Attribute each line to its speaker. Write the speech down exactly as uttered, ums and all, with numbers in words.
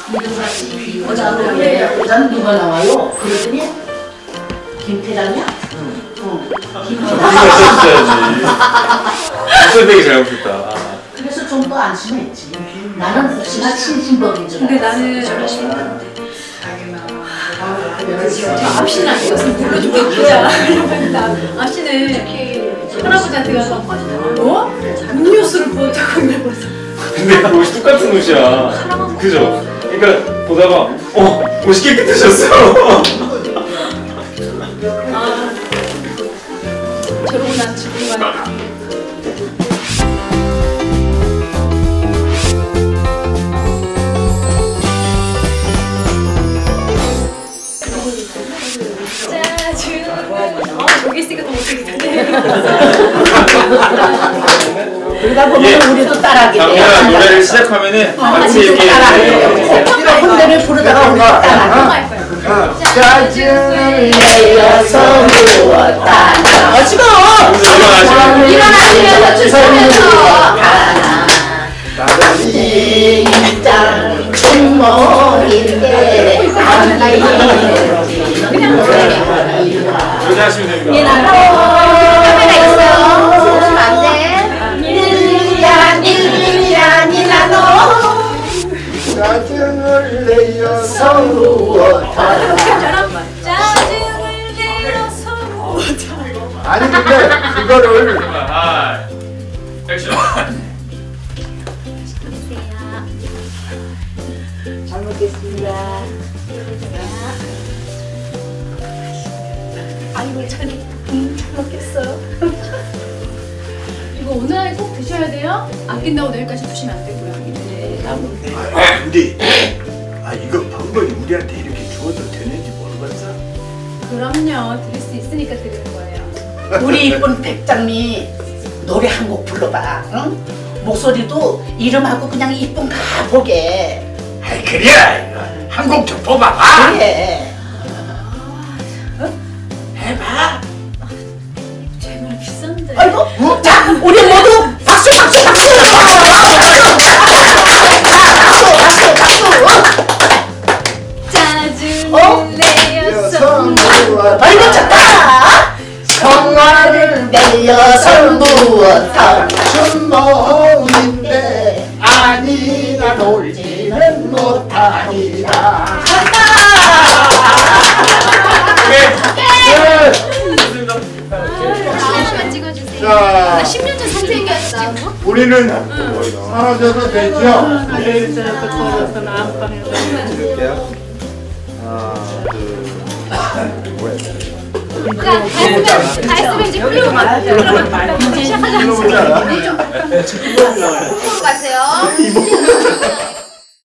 Speaker 1: 여자는 누가 나와요? 그랬더니 김태랑이야? 응. 응. 김태랑.
Speaker 2: 선생님이 잘못했다.
Speaker 1: 그래서 좀 더 안심했지. 나는 혹시나 친신법인 줄 알았어.
Speaker 3: 근데 나는 앞씨는 이것은 불러주고 바꾸자. 앞씨는 할아버지한테 가서 어? 음료수를 부었다고 이러면서.
Speaker 2: 근데 옷이 똑같은 옷이야. 그죠? 그러니까 보다가 어? 옷이 깨끗해졌어.
Speaker 3: 아, 저러고 난 죽은 거야. 저기 있으니까 더 못하겠다.
Speaker 1: 그러다 보면 우리도 따라하게 돼.
Speaker 2: 장면아 노래를 시작하면은 같이 얘기해.
Speaker 1: 혼대를 부르다가 우리가 따라하게. 짜증을 내어서 누웠다. 어 지금 일어나시면서 주소면서 나는 인장 충모인데 그냥
Speaker 2: 그렇게 하시면 됩니다.
Speaker 1: 카메라 있어요. 웃으면 안 돼. 닐리야 닐리야 닐라노 짜증을 내어서 누웠다.
Speaker 3: 짜증을 내어서 누웠다.
Speaker 4: 아니 근데 그거를
Speaker 2: 아, 액션.
Speaker 1: 잘 먹겠습니다.
Speaker 3: 아이고 잘, 음, 잘 먹겠어요. 이거 오늘 안에 꼭 드셔야 돼요. 아낀다고 내일까지 드시면 안 되고요. 네.
Speaker 4: 아 근데 아 이거 방법이 우리한테 이렇게 주어도 되는지 모르겠어.
Speaker 3: 그럼요. 드릴 수 있으니까 드리는 거예요.
Speaker 1: 우리 이쁜 백장미 노래 한 곡 불러봐. 응? 목소리도 이름하고 그냥 이쁜 가보게.
Speaker 4: 아이 그래 한 곡 좀 뽑아봐.
Speaker 1: 그래.
Speaker 4: 해봐.
Speaker 3: 제 노래 비싼데.
Speaker 1: 아이고, 어? 자, 우리 모두 박수, 박수, 박수!
Speaker 3: 짜증을
Speaker 1: 어?
Speaker 3: 내어서
Speaker 1: 아이고, 좋다! 성화를 내어서 누웠다. 춘몽인데 아니라 놀지는 못하리라.
Speaker 3: 찍어주세요.
Speaker 4: 자,
Speaker 3: 나 십 년 전 선생님이었다.
Speaker 4: 우리는 사라져도 되죠?
Speaker 3: 자, 다 했으면, 다 했으면 이제 풀리고 가세요. 이제 시작하자.
Speaker 4: 불러보자.
Speaker 3: 풀고 가세요.